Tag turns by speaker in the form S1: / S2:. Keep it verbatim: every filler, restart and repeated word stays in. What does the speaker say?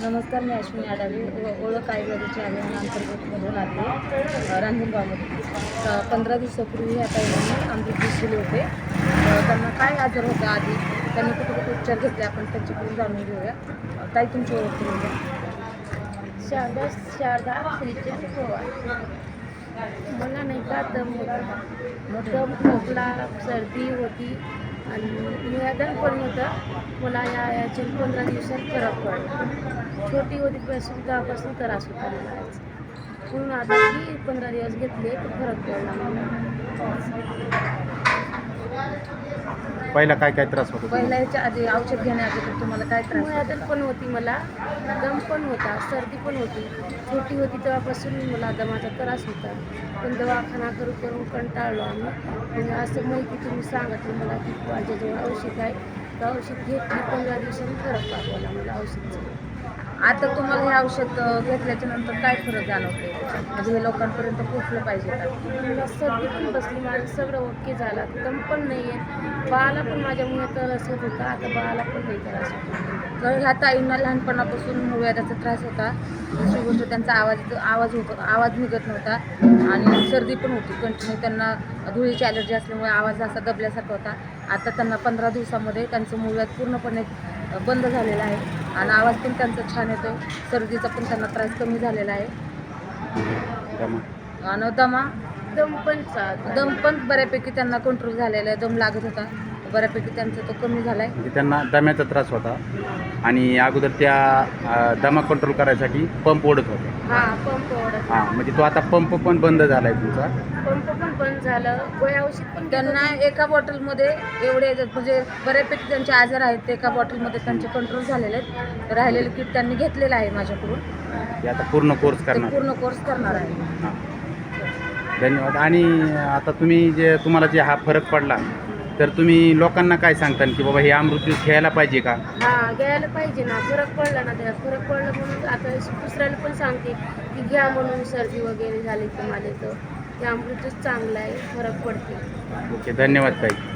S1: नमस्कार, मी अश्विनी आडावे ओ- ओळख आयुर्वेदाची अभियानाअंतर्गतमधून आले रांजणगावमध्ये. पंधरा दिवसापूर्वी ह्या ताईंनी अमृत ज्यूस दिले होते. अ, त्यांना काय आजार होता आधी, त्यांनी कुठे कुठे उपचार घेतले, आपण त्यांच्याकडून जाणून घेऊया. अ, ताई, तुमची ओळख करून द्या.
S2: शारदा शारदा श्रीचंद पवार. मला नाही का दम होता, दम खोकला सर्दी होती आणि निवेदन पण होतं. मला या याचे पंधरा दिवसात फरक पडला. छोटी होती पासून तेव्हापासून त्रास होता मला याचा. म्हणून आता की पंधरा दिवस घेतले तर फरक पडला मला.
S3: पहिला काय काय त्रास होतो
S1: पहिल्या याच्या आधी औषध घेण्याआधी तुम्हाला काय त्रास होता?
S2: निवेदन पण होती मला, दम पण होता, सर्दी पण होती. छोटी होती तेव्हापासून मला दमाचा त्रास होता. पण दवाखाना करू करून कंटाळलो आम्ही. म्हणजे असं माहिती तुम्ही सांगितलं मला की माझ्याजवळ औषध आहे, तर औषध घेतली. पंधरा दिवसांनी फरक पाठवला मला औषधचं.
S1: आता तुम्हाला हे औषध अ, घेतल्याच्या नंतर काय फरक जाणवते? म्हणजे हे लोकांपर्यंत पोहोचलं पाहिजे का?
S2: मला सर्दी पण बसली, माझं सगळं ओके झालं, दम पण नाही आहे. बाळाला पण माझ्यामुळे त्रास होत होता, आता बाळाला पण नाही त्रास होता.
S1: तर ह्या ताईंना लहानपणापासून वेदाचा त्रास होता. दुसरी गोष्ट, त्यांचा आवाज आवाज होत आवाज निघत नव्हता आणि सर्दी पण होती कंटिन्यू. त्यांना धुळीची ॲलर्जी असल्यामुळे आवाज असा दबल्यासारखा होता. आता त्यांना पंधरा दिवसामध्ये त्यांचं मूळव्याध पूर्णपणे बंद झालेलं आहे आणि आवाज पण त्यांचा छान येतो. सर्दीचा पण त्यांना त्रास कमी झालेला आहे
S3: दमा?
S1: आणि दमा
S2: दम पण चालत
S1: दम पण बऱ्यापैकी त्यांना कंट्रोल झालेला आहे. दम लागत होता, बऱ्यापैकी त्यांचा तो कमी झाला आहे.
S3: म्हणजे त्यांना दम्याचा त्रास होता आणि अगोदर त्या अ, दमा कंट्रोल करायसाठी पंप ओढत होते.
S2: हा, पंप ओढत.
S3: हां, म्हणजे तो आता पंप पण बंद झाला आहे तुमचा.
S2: पंप पण बंद झालं, गोळ्या औषध पण घेत
S1: त्यांना
S2: होते.
S1: एका बॉटलमध्ये एवढे म्हणजे बऱ्यापैकी त्यांचे आजार आहेत, ते एका बॉटलमध्ये त्यांचे कंट्रोल झालेले आहेत. राहिलेले किट त्यांनी घेतलेलं आहे माझ्याकडून.
S3: ते आता पूर्ण कोर्स
S1: ते
S3: करणार.
S1: पूर्ण कोर्स करणार आहे.
S3: हां, धन्यवाद. आणि आता तुम्ही जे तुम्हाला जे हा फरक पडला, तर तुम्ही लोकांना काय सांगता की बाबा हे अमृत ज्यूस घ्यायला पाहिजे का?
S2: हा, घ्यायला पाहिजे ना. फरक पडला ना, त्याला फरक पडला म्हणून आता दुसऱ्याला पण सांगते की घ्या म्हणून. सर्दी वगैरे झाली तुम्हाला तर ते अमृतच चांगलं आहे, फरक पडते.
S3: ओके, धन्यवाद ताई.